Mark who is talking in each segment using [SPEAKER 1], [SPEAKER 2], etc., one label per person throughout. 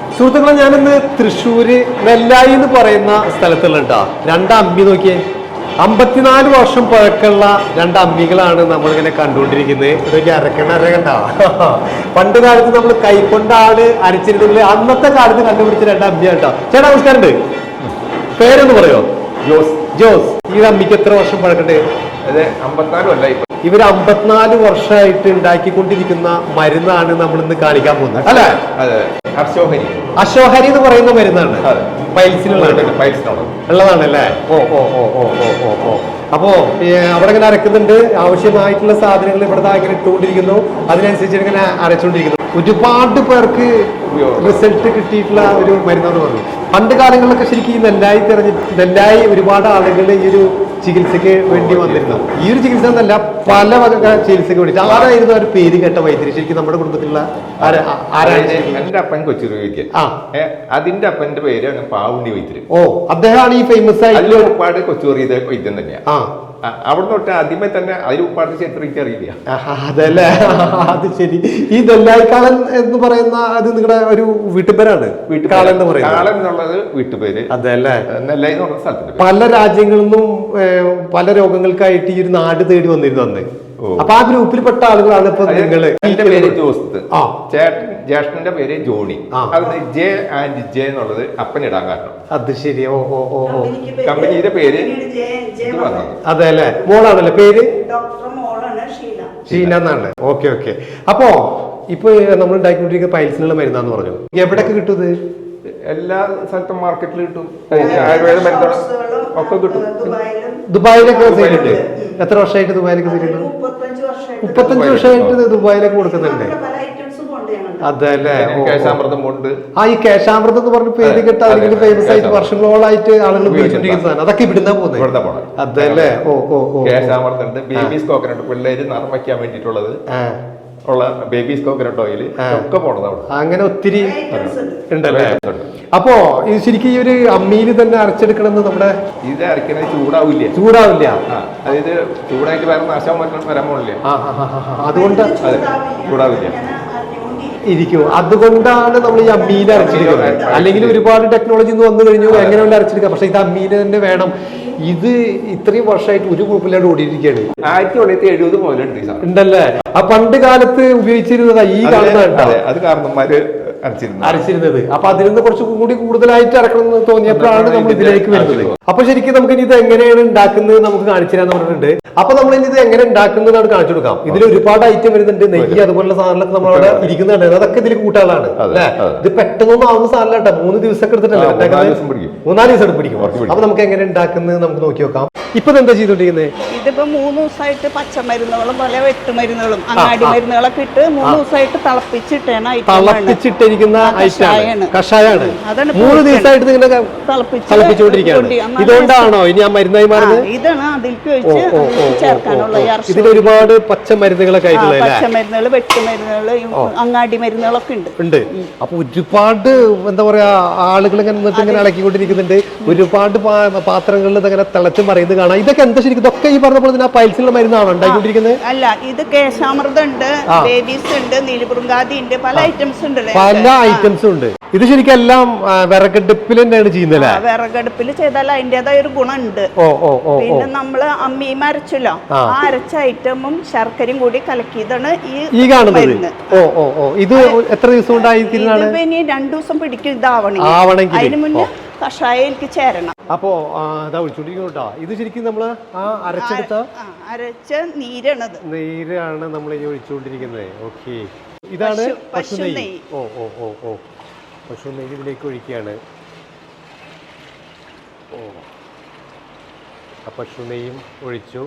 [SPEAKER 1] സുഹൃത്തുക്കളെ, ഞാനിന്ന് തൃശ്ശൂര് നെല്ലായി എന്ന് പറയുന്ന സ്ഥലത്തുള്ള കേട്ടോ രണ്ട് അമ്പി നോക്കിയേ. 54 വർഷം പഴക്കമുള്ള രണ്ട് അമ്മികളാണ് നമ്മളിങ്ങനെ കണ്ടുകൊണ്ടിരിക്കുന്നത്. ഇതൊക്കെ അരക്കണ്ട. പണ്ട് കാലത്ത് നമ്മൾ കൈക്കൊണ്ടാണ് അരച്ചിരുന്നത്. അന്നത്തെ കാലത്ത് കണ്ടുപിടിച്ച രണ്ട് അമ്മിയാണ് കേട്ടോ. ചേട്ടാ നമസ്കാരം. പേരൊന്ന് പറയോ? ജോസ്. ഈ അമ്മിക്ക് എത്ര വർഷം പഴക്കണ്ട്?
[SPEAKER 2] 54 അല്ല,
[SPEAKER 1] ഇവർ 54 വർഷമായിട്ട് ഉണ്ടാക്കിക്കൊണ്ടിരിക്കുന്ന മരുന്നാണ് നമ്മൾ ഇന്ന് കാണിക്കാൻ പോകുന്നത് അല്ലെ? അശോഹരി എന്ന് പറയുന്ന മരുന്നാണ്. ഉള്ളതാണല്ലേ? അപ്പോ അവിടെ ഇങ്ങനെ അരക്കുന്നുണ്ട്. ആവശ്യമായിട്ടുള്ള സാധനങ്ങൾ ഇവിടെ ഇങ്ങനെ ഇട്ടുകൊണ്ടിരിക്കുന്നു. അതിനനുസരിച്ച് ഇങ്ങനെ അരച്ചുകൊണ്ടിരിക്കുന്നു. ഒരുപാട് പേർക്ക് റിസൾട്ട് കിട്ടിയിട്ടുള്ള ഒരു മരുന്നാണ് പറഞ്ഞു. പണ്ട് കാലങ്ങളിലൊക്കെ ശരിക്കും ഈ നെല്ലായി ഒരുപാട് ആളുകൾ ഈ ഒരു ചികിത്സയ്ക്ക് വേണ്ടി വന്നിരുന്നു. ഈ ഒരു ചികിത്സ എന്നല്ല, പല വക ചികിത്സക്ക് വേണ്ടി. ആരായിരുന്നു ഒരു പേര് കേട്ട വൈദ്യുതി ശരിക്കും നമ്മുടെ കുടുംബത്തിലുള്ള?
[SPEAKER 2] എന്റെ അപ്പൻ കൊച്ചുരുവിക്ക്, അതിന്റെ അപ്പന്റെ പേര് പാവുണ്ടി വൈദ്യര്.
[SPEAKER 1] ഓ, അദ്ദേഹമാണ് ഈ ഫേമസ് ആയിട്ട്
[SPEAKER 2] ഒരുപാട് കൊച്ചുറിയ വൈദ്യം തന്നെയാണ്. അവിടെ തൊട്ട് ആദ്യമേ തന്നെ അതിൽ ഉപ്പാട് ചരിത്രം എനിക്ക് അറിയില്ല.
[SPEAKER 1] അതല്ലേ? അത് ശരി. ഈ നെല്ലായിക്കാളൻ എന്ന് പറയുന്ന അത് നിങ്ങളുടെ ഒരു വീട്ടുപേരാണ്?
[SPEAKER 2] വീട്ടുകാലൻ എന്ന് പറയുന്നത്. കാളൻ എന്നുള്ളത് വീട്ടുപേര്.
[SPEAKER 1] അതല്ലേ?
[SPEAKER 2] നെല്ലായി എന്ന് പറഞ്ഞ സ്ഥലത്തിന്റെ. പല
[SPEAKER 1] രാജ്യങ്ങളിൽ നിന്നും പല രോഗങ്ങൾക്കായിട്ട് ഈ ഒരു നാട് തേടി വന്നിരുന്നു അന്ന്. അപ്പൊ ആ ഗ്രൂപ്പിൽപ്പെട്ട ആളുകളാണ് ഇപ്പൊ നിങ്ങള്.
[SPEAKER 2] എന്റെ പേര് ജോസ്, ജ്യേഷ്ഠന്റെ പേര് ജോണി. അതിന് ജെ ആൻഡ് ജെ എന്നുള്ളത് അപ്പനിടാൻ കാരണം.
[SPEAKER 1] അത് ശരി.
[SPEAKER 2] കമ്പനിയുടെ പേര്
[SPEAKER 1] അതെ അല്ലേ? മോളാണല്ലേ പേര്? ഷീന എന്നാണ്. ഓക്കെ. അപ്പോ ഇപ്പൊ നമ്മൾ ഉണ്ടാക്കിക്കൊണ്ടിരിക്കുന്ന പൈൽസിനുള്ള മരുന്നാന്ന് പറഞ്ഞു. എവിടെയൊക്കെ കിട്ടും ഇത്?
[SPEAKER 2] എല്ലാ സ്ഥലത്തും മാർക്കറ്റിൽ കിട്ടും. ആയുർവേദ മരുന്നുകൾ ഒക്കെ കിട്ടും.
[SPEAKER 1] ദുബായിലൊക്കെ ചെയ്തിട്ടുണ്ട്. എത്ര വർഷമായിട്ട് ദുബായിലൊക്കെ ചെയ്തിട്ടുണ്ട്? 35 വർഷമായിട്ട് ദുബായിലൊക്കെ കൊടുക്കുന്നുണ്ട്. അതല്ലേ?
[SPEAKER 2] കേശാമൃതം കൊണ്ട്.
[SPEAKER 1] ഈ കേശാമൃതം എന്ന് പറഞ്ഞ പേര് കേട്ട അല്ലെങ്കിൽ ഫേമസ് ആയിട്ട് വർഷങ്ങളോളായിട്ട് ആളുകൾ ഉപയോഗിച്ചിരിക്കുന്ന സാധനം അതൊക്കെ ഇവിടുന്ന പോകുന്നത്. അതല്ലേ?
[SPEAKER 2] കേശാമൃതം ഉണ്ട്, ബേബീസ് കോക്കനട്ട്, പിള്ളേര് നിറം വയ്ക്കാൻ വേണ്ടിയിട്ടുള്ളത് ഉള്ള ബേബീസ് കോക്കനട്ട് ഓയിൽ ഒക്കെ പോണത് അവിടെ. അങ്ങനെ ഒത്തിരി ഉണ്ടല്ലേ? അപ്പോ ഇത് ശരിക്കും ഈ ഒരു അമ്മിയിൽ തന്നെ അരച്ചെടുക്കണമെന്ന് നമ്മുടെ ഇത് അരക്കണത് ചൂടാവില്ല. അതായത് ചൂടായിട്ട് വേറെ നാശം വരാൻ പോണില്ല.
[SPEAKER 1] അതുകൊണ്ട്
[SPEAKER 2] ചൂടാവില്ല
[SPEAKER 1] ഇരിക്കും. അതുകൊണ്ടാണ് നമ്മൾ ഈ അമ്മിയിൽ അരച്ചെടുക്കുന്നത്. അല്ലെങ്കിൽ ഒരുപാട് ടെക്നോളജി വന്നു കഴിഞ്ഞു എങ്ങനെ വേണ്ട അരച്ചെടുക്കാം. പക്ഷെ ഇത് അമ്മിയിൽ തന്നെ വേണം. ഇത് ഇത്രയും വർഷമായിട്ട് ഒരു ഗ്രൂപ്പിലായിട്ട് ഓടിയിരിക്കുകയാണ്.
[SPEAKER 2] 1970 മുതലുണ്ട്
[SPEAKER 1] ഉണ്ടല്ലേ? ആ പണ്ട് കാലത്ത് ഉപയോഗിച്ചിരുന്നതാ ഈ കാണുന്ന.
[SPEAKER 2] അത് കാരണന്മാര്
[SPEAKER 1] അരച്ചിരുന്നത്. അപ്പൊ അതിൽ നിന്ന് കുറച്ചുകൂടി കൂടുതലായിട്ട് അരക്കണം എന്ന് തോന്നിയപ്പോഴാണ് നമ്മൾ ഇതിലേക്ക് വരുന്നത്. അപ്പൊ ശരിക്കും നമുക്ക് ഇനി ഇത് എങ്ങനെയാണ് ഉണ്ടാക്കുന്നത് നമുക്ക് കാണിച്ചു തരാന്ന് പറഞ്ഞിട്ടുണ്ട്. അപ്പൊ നമ്മൾ ഇനി ഇത് എങ്ങനെ ഉണ്ടാക്കുന്നതാണ് കാണിച്ചു കൊടുക്കാം. ഇതിൽ ഒരുപാട് ഐറ്റം വരുന്നുണ്ട്. നെയ്യ് അതുപോലുള്ള സാധനങ്ങളൊക്കെ നമ്മളവിടെ ഇരിക്കുന്നുണ്ട്. അതൊക്കെ ഇതിൽ കൂട്ടാളാണ് അല്ലെ? ഇത് പെട്ടെന്നൊന്നും ആവുന്ന സാധനം കേട്ടോ. 3 ദിവസമൊക്കെ എടുത്തിട്ടല്ലേ? 3-4 ദിവസം പിടിക്കും. അപ്പൊ നമുക്ക് എങ്ങനെ ഉണ്ടാക്കുന്നത് നമുക്ക് നോക്കി നോക്കാം. ഇപ്പൊ എന്താ ചെയ്തോണ്ടിരിക്കുന്നത്?
[SPEAKER 3] ഇതിപ്പോ 3 ദിവസമായിട്ട് പച്ചമരുന്നുകളും പല വെട്ടുമരുന്നുകളും അങ്ങാടി മരുന്നുകളൊക്കെ ഇട്ട് 3 ദിവസമായിട്ട്
[SPEAKER 1] തിളപ്പിച്ചിട്ടിരിക്കുന്ന കഷായാണ്. 3 ദിവസമായിട്ട് നിങ്ങൾ തിളപ്പിച്ചുകൊണ്ടിരിക്കുകയാണ്. ഇതുകൊണ്ടാണോ ഇനി ആ മരുന്നായി മാറുന്നത്?
[SPEAKER 3] ഇതാണ് അതിലേക്ക് ചേർക്കാനുള്ള.
[SPEAKER 1] ഇതിൽ ഒരുപാട് പച്ചമരുന്നുകളൊക്കെ ആയിട്ടുള്ള
[SPEAKER 3] പച്ചമരുന്നുകൾ, വെട്ടുമരുന്നുകൾ, അങ്ങാടി മരുന്നുകളൊക്കെ ഉണ്ട്.
[SPEAKER 1] അപ്പൊ ഒരുപാട് എന്താ പറയാ ആളുകൾ ഇങ്ങനെ ഇളക്കിക്കൊണ്ടിരിക്കുന്നുണ്ട്. ഒരുപാട് പാത്രങ്ങളിൽ ഇങ്ങനെ തിളച്ച് മറിയുന്നത് കാണാം. ഇതൊക്കെ എന്താ ശരിക്കും? ഇതൊക്കെ ഈ പറഞ്ഞ പോലെ തന്നെ ആ പൈൽസിലുള്ള മരുന്നാണോ ഉണ്ടാക്കിക്കൊണ്ടിരിക്കുന്നത്?
[SPEAKER 3] അല്ല, ഇത് കേശാമൃതം ഉണ്ട്, ബേബീസ് ഉണ്ട്, നീലപുറങ്കാതി ഉണ്ട്, പല ഐറ്റംസ് ഉണ്ട്.
[SPEAKER 1] പല ഐറ്റംസും ഉണ്ട്. ഇത് ശരിക്കും എല്ലാം വിറകടുപ്പിൽ തന്നെയാണ് ചെയ്യുന്നത്.
[SPEAKER 3] വിറകടുപ്പിൽ ചെയ്താൽ അതിന്റേതായ ഒരു ഗുണം ഉണ്ട്. പിന്നെ നമ്മള് അമ്മിയും അരച്ചല്ലോ, ആ അരച്ച ഐറ്റമും ശർക്കരയും കൂടി കലക്കിയതാണ് ഈ കാണുന്നത്.
[SPEAKER 1] ഇത് എത്ര ദിവസം കൊണ്ടായി?
[SPEAKER 3] ഇനി 2 ദിവസം പിടിക്കും ഇതാവണമെങ്കിൽ. അതിന് മുന്നേ കഷായം എനിക്ക് ചേരണം.
[SPEAKER 1] അപ്പോ ഒഴിച്ചോണ്ടിരിക്കുന്നു. ഇത് ശരിക്കും നമ്മള് അരച്ച നീരാണ് നമ്മൾ ഈ ഒഴിച്ചുകൊണ്ടിരിക്കുന്നത്. ഓക്കെ, ഇതാണ് പശു നെയ്യ്. പശു നെയ്യ് ഇതിലേക്ക് ഒഴിക്കുകയാണ്. പശു നെയ്യും ഒഴിച്ചു.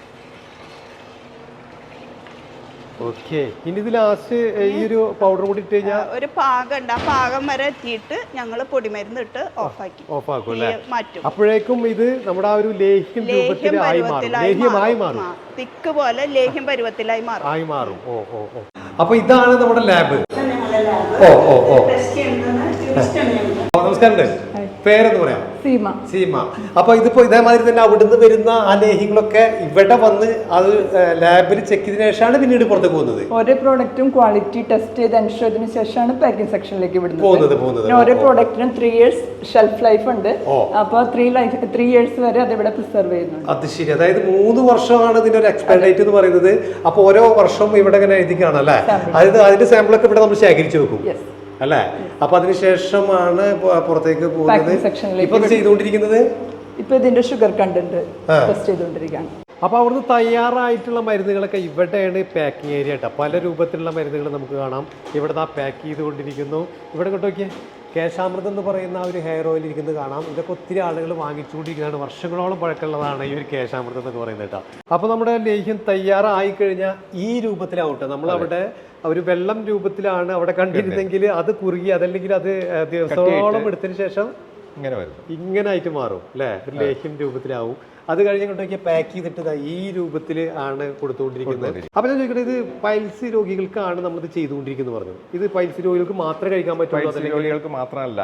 [SPEAKER 1] ഓക്കെ, ഇനി ഇത് ലാസ്റ്റ് ഈ ഒരു പൗഡർ കൂടി ഇട്ട് കഴിഞ്ഞാൽ
[SPEAKER 3] ഒരു പാകം ഉണ്ട്. ആ പാകം വരെ എത്തിയിട്ട് ഞങ്ങൾ പൊടിമരുന്ന് ഇട്ട്
[SPEAKER 1] ഓഫാക്കും അല്ലേ? മാറ്റും. അപ്പോഴേക്കും ഇത് നമ്മുടെ ആ ഒരു ലേഹ്യമായി മാറും.
[SPEAKER 3] തിക്ക് പോലെ ലേഹ്യം പരുവത്തിലായി മാറും.
[SPEAKER 1] അപ്പൊ ഇതാണ് നമ്മുടെ ലാബ്. നമസ്കാരം. പേരെന്ന് പറയാം സീമ. അപ്പൊ ഇതിപ്പോ ഇതേമാതിരി തന്നെ അവിടുന്ന് വരുന്ന ആ ലേഹ്യങ്ങളൊക്കെ ഇവിടെ വന്ന് അത് ലാബിൽ ചെക്ക് ചെയ്തതിനു ശേഷമാണ് പിന്നീട് പുറത്തേക്ക് പോകുന്നത്.
[SPEAKER 4] ഓരോ പ്രോഡക്റ്റും ക്വാളിറ്റി ടെസ്റ്റ് ചെയ്ത് എൻഷുർ ചെയ്തതിനു ശേഷമാണ് പാക്കിംഗ് സെക്ഷനിലേക്ക്
[SPEAKER 1] പോകുന്നത്.
[SPEAKER 4] ഓരോ പ്രോഡക്റ്റിനും 3 years ഷെൽഫ് ലൈഫ് ഉണ്ട്. അപ്പൊ 3 years വരെ അത് ഇവിടെ പ്രിസർവ് ചെയ്യുന്നുണ്ട്.
[SPEAKER 1] അത് ശരി. അതായത് 3 വർഷമാണ് ഇതിന്റെ ഒരു എക്സ്പയർ ഡേറ്റ് എന്ന് പറയുന്നത്. അപ്പൊ ഓരോ വർഷവും ഇവിടെ ഇങ്ങനെ എഴുതി കാണല്ലേ. അതായത് അതിന്റെ സാമ്പിളൊക്കെ ഇവിടെ നമ്മൾ ശേഖരിച്ചു വെക്കും അല്ലേ. അപ്പൊ അതിനുശേഷമാണ് പുറത്തേക്ക് പോകുന്നത്. ഇപ്പൊ ചെയ്തുകൊണ്ടിരിക്കുന്നത്
[SPEAKER 4] ഇപ്പൊ ഇതിന്റെ ഷുഗർ കണ്ടന്റ് ടെസ്റ്റ് ചെയ്തുകൊണ്ടിരിക്കുകയാണ്.
[SPEAKER 1] അപ്പൊ അവിടുന്ന് തയ്യാറായിട്ടുള്ള മരുന്നുകളൊക്കെ ഇവിടെയാണ് പാക്കിംഗ് ഏരിയ കേട്ടോ. പല രൂപത്തിലുള്ള മരുന്നുകൾ നമുക്ക് കാണാം. ഇവിടെ പാക്ക് ചെയ്തുകൊണ്ടിരിക്കുന്നു. ഇവിടെ കൊണ്ടോക്കിയേ കേശാമൃതം എന്ന് പറയുന്ന ആ ഒരു ഹെയർ ഓയിൽ ഇരിക്കുന്നത് കാണാം. ഇതൊക്കെ ഒത്തിരി ആളുകൾ വാങ്ങിച്ചുകൊണ്ടിരിക്കുന്നതാണ്. വർഷങ്ങളോളം പഴക്കമുള്ളതാണ് ഈ ഒരു കേശാമൃതം എന്നൊക്കെ പറയുന്നത് കേട്ടോ. അപ്പോൾ നമ്മുടെ ലേഹ്യം തയ്യാറായി കഴിഞ്ഞാൽ ഈ രൂപത്തിലാവട്ടെ. നമ്മളവിടെ ഒരു വെള്ളം രൂപത്തിലാണ് അവിടെ കണ്ടിരുന്നെങ്കിൽ അത് കുറുകി അതല്ലെങ്കിൽ അത് ദിവസത്തോളം എടുത്തതിന് ശേഷം ഇങ്ങനെ ആയിട്ട് മാറും അല്ലേ. ഒരു ലേഹ്യം രൂപത്തിലാവും. അത് കഴിഞ്ഞിട്ടൊക്കെ പാക്ക് ചെയ്തിട്ട് ഈ രൂപത്തിൽ ആണ് കൊടുത്തുകൊണ്ടിരിക്കുന്നത്. അപ്പൊ ഞാൻ ചോദിക്കട്ടെ, ഇത് പൈൽസ് രോഗികൾക്കാണ് നമ്മൾ ഇത് ചെയ്തുകൊണ്ടിരിക്കുന്നത് പറഞ്ഞു. ഇത് പൈൽസ് രോഗികൾക്ക് മാത്രമേ കഴിക്കാൻ പറ്റുള്ളൂ?
[SPEAKER 2] രോഗികൾക്ക് മാത്രമല്ല,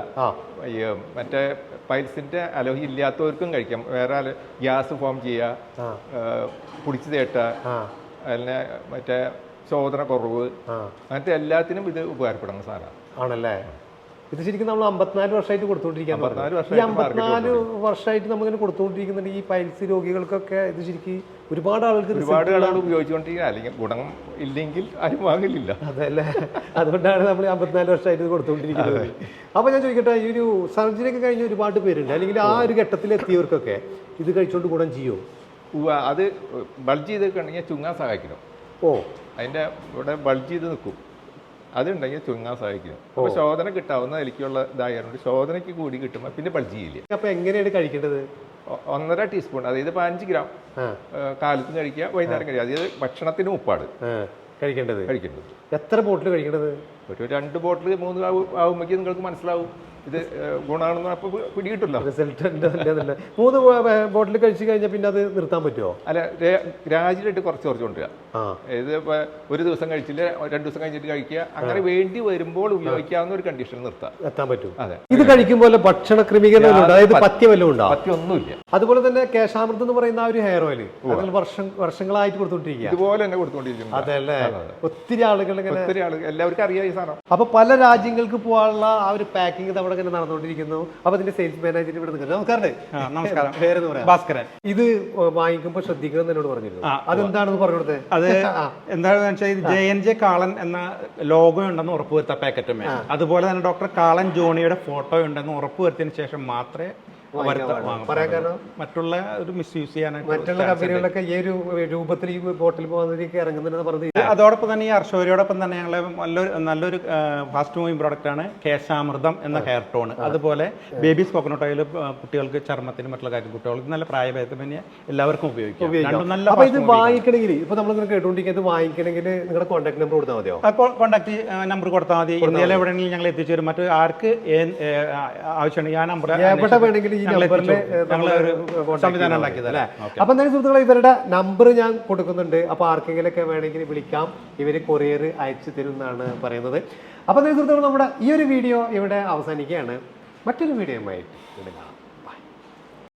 [SPEAKER 2] മറ്റേ പൈൽസിന്റെ അലോഹി ഇല്ലാത്തവർക്കും കഴിക്കാം. വേറെ ഗ്യാസ് ഫോം ചെയ്യുക, കുടിച്ചു തേട്ട, അതിനെ മറ്റേ ശോധന കുറവ്, അങ്ങനത്തെ എല്ലാത്തിനും ഇത് ഉപകാരപ്പെടുന്ന സാധനമാണ്.
[SPEAKER 1] ആണല്ലേ. ഇത് ശരിക്കും നമ്മൾ 54 വർഷമായിട്ട് കൊടുത്തുകൊണ്ടിരിക്കാൻ. 54 വർഷമായിട്ട് നമ്മളിങ്ങനെ കൊടുത്തുകൊണ്ടിരിക്കുന്നുണ്ട് ഈ പൈൽസ് രോഗികൾക്കൊക്കെ. ഇത് ശരിക്കും ഒരുപാട് ആളുകൾ
[SPEAKER 2] ഉപയോഗിച്ചുകൊണ്ടിരിക്കുക. അല്ലെങ്കിൽ ഗുണം ഇല്ലെങ്കിൽ ആരും വാങ്ങില്ല.
[SPEAKER 1] അതല്ലേ, അതുകൊണ്ടാണ് നമ്മൾ 54 വർഷമായിട്ട് കൊടുത്തുകൊണ്ടിരിക്കുന്നത്. അപ്പൊ ഞാൻ ചോദിക്കട്ടെ, ഈ ഒരു സർജറി ഒക്കെ കഴിഞ്ഞ ഒരുപാട് പേരുണ്ട്, അല്ലെങ്കിൽ ആ ഒരു ഘട്ടത്തിൽ എത്തിയവർക്കൊക്കെ ഇത് കഴിച്ചുകൊണ്ട് ഗുണം ചെയ്യുമോ?
[SPEAKER 2] അത് ബൾജ് ചെയ്തിട്ടുണ്ടെങ്കിൽ ചുങ്ങാൻ സഹായിക്കണം. അതിന്റെ ഇവിടെ ബൾജ് ചെയ്ത് നിൽക്കും. അതുണ്ടെങ്കിൽ ചുങ്ങാൻ സഹായിക്കും. അപ്പൊ ശോധന കിട്ടാവുന്ന എനിക്കുള്ള ഇതായതുകൊണ്ട് ശോധനയ്ക്ക് കൂടി കിട്ടുമ്പോൾ പിന്നെ ബൾജ് ചെയ്യില്ല.
[SPEAKER 1] അപ്പൊ എങ്ങനെയാണ് കഴിക്കേണ്ടത്?
[SPEAKER 2] 1.5 ടീസ്പൂൺ, അതായത് 15 ഗ്രാം കാലത്തും കഴിക്കുക, വൈകുന്നേരം കഴിക്കുക. അതായത് ഭക്ഷണത്തിന് ഉപ്പാട്
[SPEAKER 1] കഴിക്കേണ്ടത്. എത്ര ബോട്ടിൽ കഴിക്കേണ്ടത്?
[SPEAKER 2] ഒരു 2 ബോട്ടിൽ 3 ആവുമ്പോഴേക്കും നിങ്ങൾക്ക് മനസ്സിലാവും ഇത് ഗുണമാണെന്ന്. അപ്പൊ പിടികിട്ടില്ല
[SPEAKER 1] റിസൾട്ട്. 3 ബോട്ടിൽ കഴിച്ചു കഴിഞ്ഞാൽ പിന്നെ അത് നിർത്താൻ പറ്റുമോ?
[SPEAKER 2] അല്ല, ഗ്രാജുവലായിട്ട് കുറച്ച് കൊണ്ടുവരിക. ഇത് ഇപ്പൊ ഒരു ദിവസം കഴിച്ചില്ല, 2 ദിവസം കഴിഞ്ഞിട്ട് കഴിക്കുക. അങ്ങനെ വേണ്ടി വരുമ്പോൾ ഉപയോഗിക്കാവുന്ന ഒരു കണ്ടീഷൻ എത്താൻ പറ്റും. അതെ. ഇത്
[SPEAKER 1] കഴിക്കുമ്പോൾ ഭക്ഷണ ക്രമീകരണം, അതായത് പഥ്യം വല്ലതും ഉണ്ടോ?
[SPEAKER 2] പഥ്യമൊന്നുമില്ല.
[SPEAKER 1] അതുപോലെ തന്നെ കേശാമൃതം എന്ന് പറയുന്ന ആ ഒരു ഹെയർ ഓയിൽ വർഷങ്ങളായിട്ട് കൊടുത്തോണ്ടിരിക്കുക.
[SPEAKER 2] ഇതുപോലെ തന്നെ കൊടുത്തോണ്ടിരിക്കുന്നു.
[SPEAKER 1] അതല്ലേ, ഒത്തിരി ആളുകൾ
[SPEAKER 2] എല്ലാവർക്കും അറിയാം ഈ സാധനം.
[SPEAKER 1] അപ്പൊ പല രാജ്യങ്ങൾക്ക് പോകാനുള്ള ആ ഒരു പാക്കിംഗ് അവിടെ ഇങ്ങനെ നടന്നുകൊണ്ടിരിക്കുന്നു. അപ്പൊ അതിന്റെ സെയിൽസ് മാനേജർ ഇവിടെ നിൽക്കുന്നത്. നമസ്കാരം. പേരെന്ന് പറയാം? ഭാസ്കരൻ. ഇത് വാങ്ങിക്കുമ്പോൾ ശ്രദ്ധിക്കണം എന്നോട് പറഞ്ഞിരുന്നു. അതെന്താണെന്ന് പറഞ്ഞു കൊടുത്തേ.
[SPEAKER 5] അത് എന്താണെന്ന് വെച്ചാൽ JNJ കാളൻ എന്ന ലോഗോ ഉണ്ടെന്ന് ഉറപ്പുവരുത്താം പാക്കറ്റുമേ. അതുപോലെ തന്നെ ഡോക്ടർ കാളൻ ജോണിയുടെ ഫോട്ടോ ഉണ്ടെന്ന് ഉറപ്പുവരുത്തിയതിനു ശേഷം മാത്രമേ മറ്റുള്ള ഒരു മിസ്യൂസ് ചെയ്യാനായിട്ട്
[SPEAKER 1] മറ്റുള്ള കമ്പനികളൊക്കെ ഈ ഒരു രൂപത്തിൽ ഈ ബോട്ടിൽ പോകുന്നതിലേക്ക് ഇറങ്ങുന്നുണ്ടെന്ന് പറഞ്ഞത്.
[SPEAKER 5] അതോടൊപ്പം തന്നെ ഈ അർഷോരിയോടൊപ്പം തന്നെ ഞങ്ങളെ നല്ലൊരു ഫാസ്റ്റ് മൂവിങ് പ്രോഡക്റ്റ് ആണ് കേശാമൃതം എന്ന ഹെയർ ടോൺ. അതുപോലെ ബേബീസ് കോക്കനട്ട് ഓയിൽ കുട്ടികൾക്ക് ചർമ്മത്തിന് മറ്റുള്ള കാര്യം കുട്ടികൾക്ക് നല്ല പ്രായഭേദമന്യേ എല്ലാവർക്കും ഉപയോഗിക്കാം.
[SPEAKER 1] ഇത് വാങ്ങിക്കണമെങ്കിൽ ഇപ്പൊ നമ്മളിങ്ങനെ കേട്ടുകൊണ്ടിരിക്കുന്നത് വാങ്ങിക്കണമെങ്കിൽ നിങ്ങളുടെ കോൺടാക്ട് നമ്പർ കൊടുത്താൽ മതിയോ?
[SPEAKER 5] കോൺടാക്ട് നമ്പർ കൊടുത്താൽ മതി. ഇന്ത്യയിൽ എവിടെയെങ്കിലും ഞങ്ങൾ എത്തിച്ചു തരും. മറ്റു ആർക്ക് ആവശ്യമുണ്ടെങ്കിൽ ആ നമ്പർ
[SPEAKER 1] എവിടെ വേണമെങ്കിലും
[SPEAKER 5] സംവിധാനം ഉണ്ടാക്കിയതല്ലേ.
[SPEAKER 1] അപ്പൊ എന്തായാലും സുഹൃത്തുക്കളെ, ഇവരുടെ നമ്പർ ഞാൻ കൊടുക്കുന്നുണ്ട്. അപ്പൊ ആർക്കെങ്കിലും ഒക്കെ വേണമെങ്കിൽ വിളിക്കാം. ഇവര് കൊറിയർ അയച്ചു തരും എന്നാണ് പറയുന്നത്. അപ്പൊ എന്തായാലും സുഹൃത്തുക്കൾ, നമ്മുടെ ഈ ഒരു വീഡിയോ ഇവിടെ അവസാനിക്കുകയാണ്. മറ്റൊരു വീഡിയോയുമായി